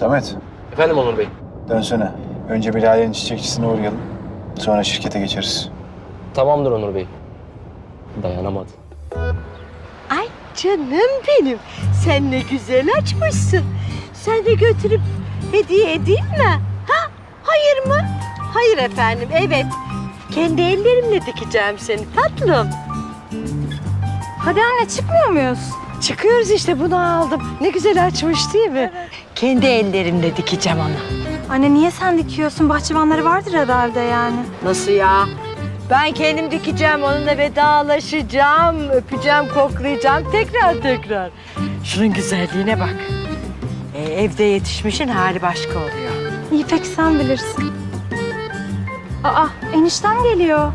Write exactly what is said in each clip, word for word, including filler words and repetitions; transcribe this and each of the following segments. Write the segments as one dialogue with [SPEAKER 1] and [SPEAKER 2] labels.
[SPEAKER 1] Samet,
[SPEAKER 2] Efendim Onur Bey.
[SPEAKER 1] dönsene. Önce bir Lale'nin çiçekçisine uğrayalım. Sonra şirkete geçeriz.
[SPEAKER 2] Tamamdır Onur Bey. Dayanamadım.
[SPEAKER 3] Ay canım benim. Sen ne güzel açmışsın. Sen de götürüp hediye edeyim mi? Ha? Hayır mı? Hayır efendim, evet. Kendi ellerimle dikeceğim seni tatlım.
[SPEAKER 4] Hadi anne çıkmıyor muyuz?
[SPEAKER 3] Çıkıyoruz işte, bunu aldım. Ne güzel açmış değil mi? Evet. Kendi ellerimle dikeceğim onu.
[SPEAKER 4] Anne niye sen dikiyorsun? Bahçıvanları vardır herhalde yani.
[SPEAKER 3] Nasıl ya? Ben kendim dikeceğim, onunla vedalaşacağım, öpeceğim, koklayacağım tekrar tekrar. Şunun güzelliğine bak. Ee, evde yetişmişin hali başka oluyor.
[SPEAKER 4] İyi peki sen bilirsin. Aa eniştem geliyor.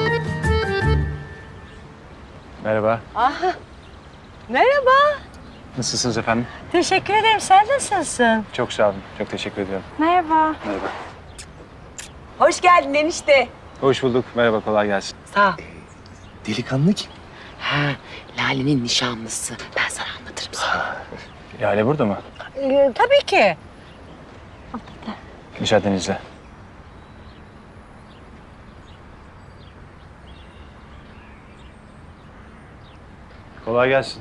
[SPEAKER 1] Merhaba.
[SPEAKER 3] Aha. Merhaba.
[SPEAKER 1] Nasılsınız efendim?
[SPEAKER 3] Teşekkür ederim. Sen nasılsın?
[SPEAKER 1] Çok sağ olun. Çok teşekkür ediyorum.
[SPEAKER 4] Merhaba.
[SPEAKER 1] Merhaba.
[SPEAKER 3] Hoş geldin enişte.
[SPEAKER 1] Hoş bulduk. Merhaba, kolay gelsin.
[SPEAKER 3] Sağ ol.
[SPEAKER 1] Delikanlı kim?
[SPEAKER 5] Ha, Lale'nin nişanlısı. Ben sana anlatırım sonra.
[SPEAKER 1] Lale burada mı?
[SPEAKER 3] Ee, tabii ki.
[SPEAKER 1] Müsaadenizle. Kolay gelsin.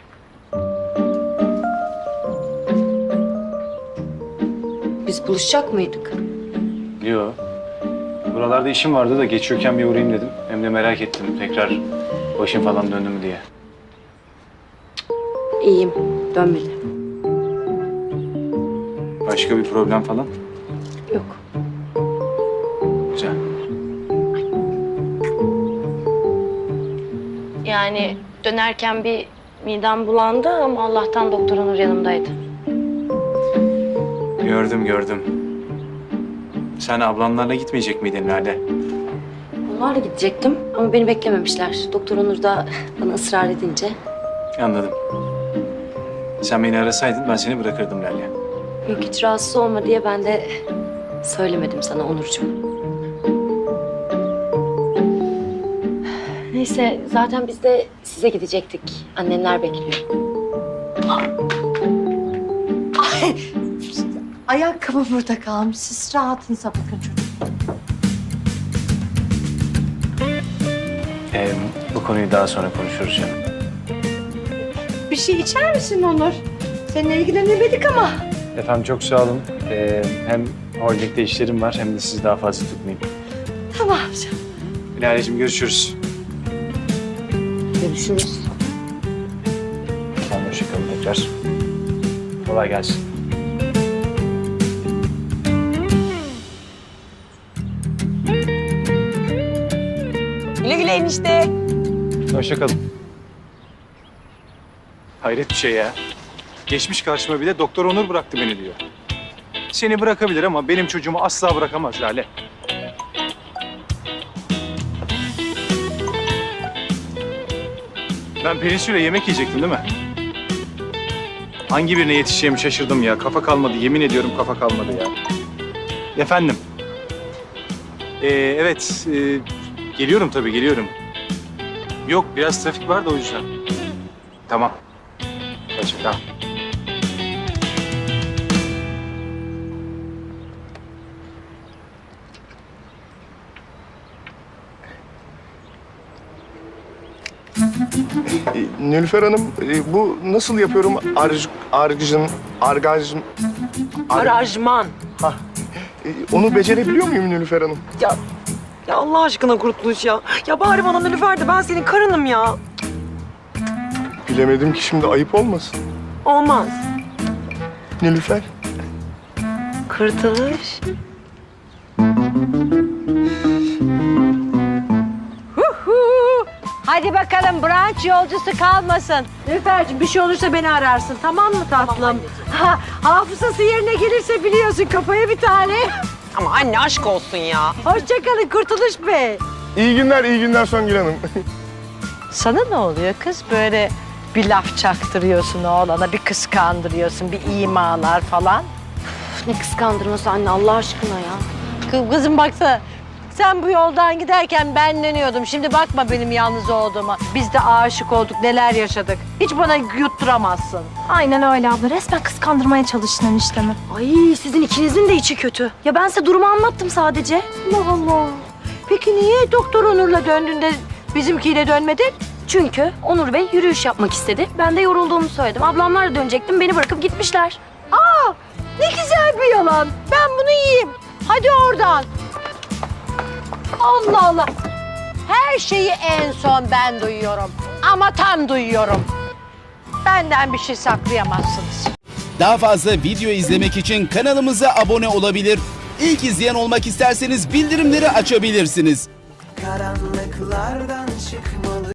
[SPEAKER 5] Biz buluşacak mıydık?
[SPEAKER 1] Yo. Buralarda işim vardı da geçiyorken bir uğrayayım dedim. Hem de merak ettim tekrar başım falan döndü mü diye.
[SPEAKER 5] İyiyim, dönmedi.
[SPEAKER 1] Başka bir problem falan?
[SPEAKER 5] Yok.
[SPEAKER 1] Güzel.
[SPEAKER 6] Yani dönerken bir midem bulandı ama Allah'tan doktor Onur yanımdaydı.
[SPEAKER 1] Gördüm gördüm. Sen ablamlarla gitmeyecek miydin Lale?
[SPEAKER 5] Onlarla gidecektim ama beni beklememişler. Doktor Onur da bana ısrar edince.
[SPEAKER 1] Anladım. Sen beni arasaydın ben seni bırakırdım Lale.
[SPEAKER 5] Yok hiç rahatsız olma diye ben de söylemedim sana Onurcuğum. Neyse zaten biz de size gidecektik. Annemler bekliyor.
[SPEAKER 3] Ay, ayakkabı burada kalmış. Siz rahatınıza bakın çocuk.
[SPEAKER 1] Ee, bu konuyu daha sonra konuşuruz canım.
[SPEAKER 3] Bir şey içer misin Onur? Seninle ilgilenemedik ama.
[SPEAKER 1] Efendim çok sağ olun. Ee, hem holdingde işlerim var hem de sizi daha fazla tutmayayım.
[SPEAKER 3] Tamam canım.
[SPEAKER 1] Lale'cim görüşürüz.
[SPEAKER 5] Görüşürüz.
[SPEAKER 1] Tamam, hoşçakalın tekrar. Kolay gelsin.
[SPEAKER 3] Güle güle enişte.
[SPEAKER 1] Hoşçakalın. Hayret bir şey ya. Geçmiş karşıma bir de Doktor Onur bıraktı beni diyor. Seni bırakabilir ama benim çocuğumu asla bırakamaz Lale. Ben Pelinsu'yla yemek yiyecektim değil mi? Hangi birine yetişeceğimi şaşırdım ya. Kafa kalmadı. Yemin ediyorum kafa kalmadı ya. Efendim. Ee, evet. E, geliyorum tabii geliyorum. Yok biraz trafik var da o yüzden. Tamam. Hoşça kal.
[SPEAKER 7] E, Nilüfer Hanım, e, bu nasıl yapıyorum? Arj, argıcın, argajın... Ar,
[SPEAKER 8] Arajman.
[SPEAKER 7] ha, e, onu becerebiliyor muyum Nilüfer Hanım?
[SPEAKER 8] Ya, ya Allah aşkına Kurtuluş ya. Ya bari bana Nilüfer de ben senin karınım ya.
[SPEAKER 7] Bilemedim ki şimdi ayıp olmasın.
[SPEAKER 8] Olmaz.
[SPEAKER 7] Nilüfer.
[SPEAKER 8] Kurtuluş.
[SPEAKER 3] Hadi bakalım, brunch yolcusu kalmasın. Nilüfer'cim bir şey olursa beni ararsın, tamam mı tatlım? Ha, hafızası yerine gelirse biliyorsun, kafaya bir tane.
[SPEAKER 8] Ama anne aşk olsun ya.
[SPEAKER 3] Hoşçakalın Kurtuluş Bey.
[SPEAKER 7] İyi günler, iyi günler Songül Hanım.
[SPEAKER 3] Sana ne oluyor kız? Böyle bir laf çaktırıyorsun oğlana, bir kıskandırıyorsun, bir imalar falan.
[SPEAKER 5] Ne kıskandırması anne Allah aşkına ya.
[SPEAKER 3] Kız, kızım baksana, Sen bu yoldan giderken ben dönüyordum. Şimdi bakma benim yalnız olduğuma. Biz de aşık olduk, neler yaşadık. Hiç bana yutturamazsın.
[SPEAKER 4] Aynen öyle abla. Resmen kıskandırmaya çalıştın eniştemi.
[SPEAKER 5] Ay sizin ikinizin de içi kötü. Ya ben size durumu anlattım sadece.
[SPEAKER 3] Allah Allah. Peki niye Doktor Onur'la döndüğünde bizimkiyle dönmedin?
[SPEAKER 5] Çünkü Onur Bey yürüyüş yapmak istedi. Ben de yorulduğumu söyledim. Ablamlar da dönecektim. Beni bırakıp gitmişler.
[SPEAKER 3] Aa, ne güzel bir yalan. Ben bunu yiyeyim. Hadi oradan. Allah Allah. Her şeyi en son ben duyuyorum. Ama tam duyuyorum. Benden bir şey saklayamazsınız.
[SPEAKER 9] Daha fazla video izlemek için kanalımıza abone olabilir. İlk izleyen olmak isterseniz bildirimleri açabilirsiniz.
[SPEAKER 10] Karanlıklardan çıkmalı